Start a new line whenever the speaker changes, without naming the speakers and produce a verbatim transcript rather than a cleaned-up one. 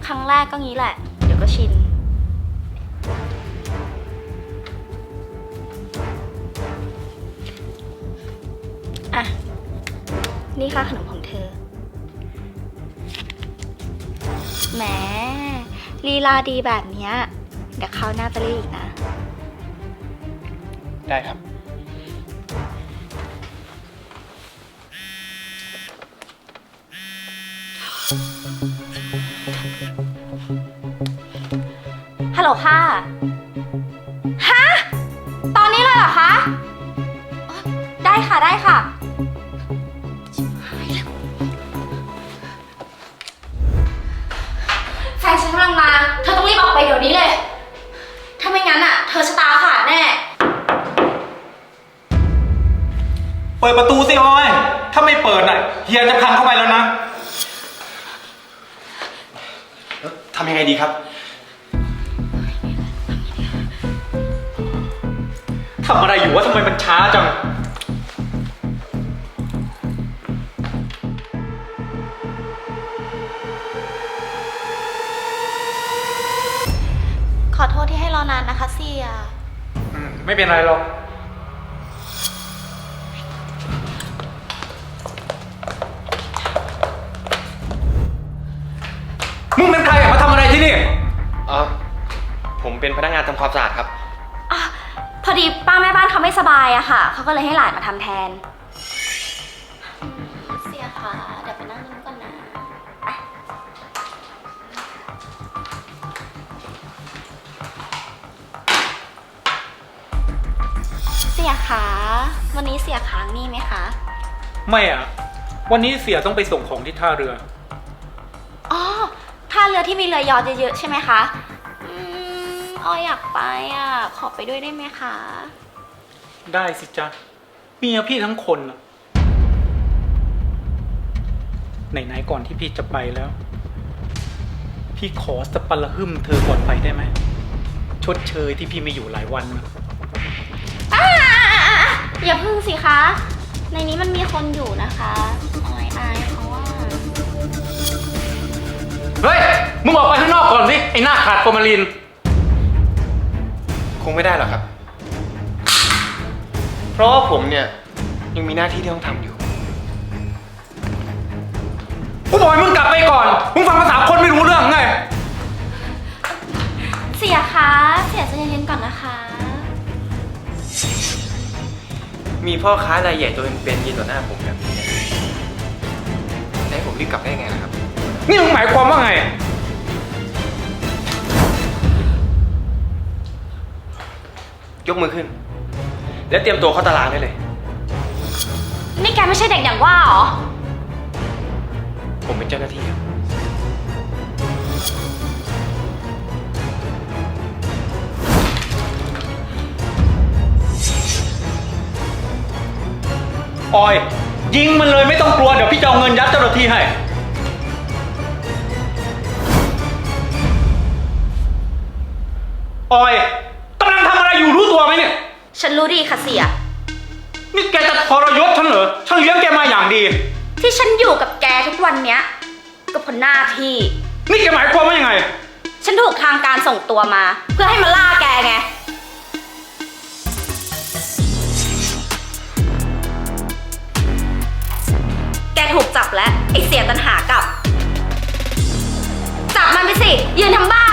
ครั้งแรกก็งี้แหละ เดี๋ยวก็ชินอ่ะนี่ค่าขนมของเธอแหมลีลาดีแบบเนี้ยเดี๋ยวเขาวหน้าจะเรียกอีกนะ
ได้ครับ
ฮัลโหลค่ะ ฮะ ตอนนี้เลยเหรอคะอ๋อได้ค่ะได้ค่ะ แฟนฉันกำลังมา เธอต้องรีบออกไปเดี๋ยวนี้เลย ถ้าไม่งั้นอ่ะ เธอชะตาขาดแน่
เปิดประตูสิออย ถ้าไม่เปิดน่ะเฮียจะพังเข้าไปแล้วนะทำยังไงดีครับทำอะไรอยู่วะทำไมมันช้าจัง
ขอโทษที่ให้รอนานนะคะเสีย
อืม ไม่เป็นไรหรอก มึงเป็นใครอะมาทำอะไรที่นี่
อ๋อ ผมเป็นพนักงานทำความสะอาดครับ
อ่ะ พอดีป้าแม่บ้านเขาไม่สบายอะค่ะ เขาก็เลยให้หลานมาทำแทน เสียค่ะ เดี๋ยวไปนั่งนึงก่อนนะอ่ะเสียคะวันนี้เสียค้างหนี่ไหมคะ
ไม่อ่ะ วันนี้เสียต้องไปส่งของที่ท่าเรือ
อ๋อท่าเรือที่มีเรือยอชต์เยอะๆใช่ไหมคะ อืมออยอยากไปอ่ะ ขอไปด้วยได้ไหมคะ
ได้สิจ๊ะเมียพี่ทั้งคนน่ะไหนๆก่อนที่พี่จะไปแล้ว พี่ขอสปันละหึ่มเธอก่อนไปได้ไหม ชดเชยที่พี่ไม่อยู่หลายวันนะ
อ่าอย่าพึ่งสิคะ ในนี้มันมีคนอยู่นะคะออยอายเขาว่า
เฮ้ย มึงออกไปข้างนอกก่อนสิ ไอ้หน้าขาดฟอร์มาลิน
คงไม่ได้หรอกครับ เพราะว่าผมเนี่ยยังมีหน้าที่ที่ต้องทำอยู่
กูบอกให้มึงกลับไปก่อน มึงฟังภาษาคนไม่รู้เรื่องไง
เสียคะ เสียใจเย็นๆก่อนนะคะ
มีพ่อค้ารายใหญ่ตัวเป็นๆยืนต่อหน้าผมแบบนี้เนี่ยจะให้ผมรีบกลับได้ไงล่ะครับ
นี่มึงหมายความว่าไง
ยกมือขึ้น แล้วเตรียมตัวเข้าตารางได้เลย
นี่แกไม่ใช่เด็กอย่างว่าเหรอ
ผมเป็นเจ้าหน้าที่ครับ
ออย ยิงมันเลยไม่ต้องกลัว เดี๋ยวพี่จะเอาเงินยัดเจ้าหน้าที่ให้ ออยกำลังทำอะไรอยู่รู้ตัวไหมเนี่ย
ฉันรู้ดีค่ะเสีย
นี่แกจะทรยศฉันเหรอ ฉันเลี้ยงแกมาอย่างดี
ที่ฉันอยู่กับแกทุกวันเนี้ยก็เพราะหน้าที่
นี่แกหมายความว่ายังไง
ฉันถูกทางการส่งตัวมา เพื่อให้มาล่าแกไง แกถูกจับแล้วไอเสียตันหากลับ จับมันไปสิ ยืนทำบ้า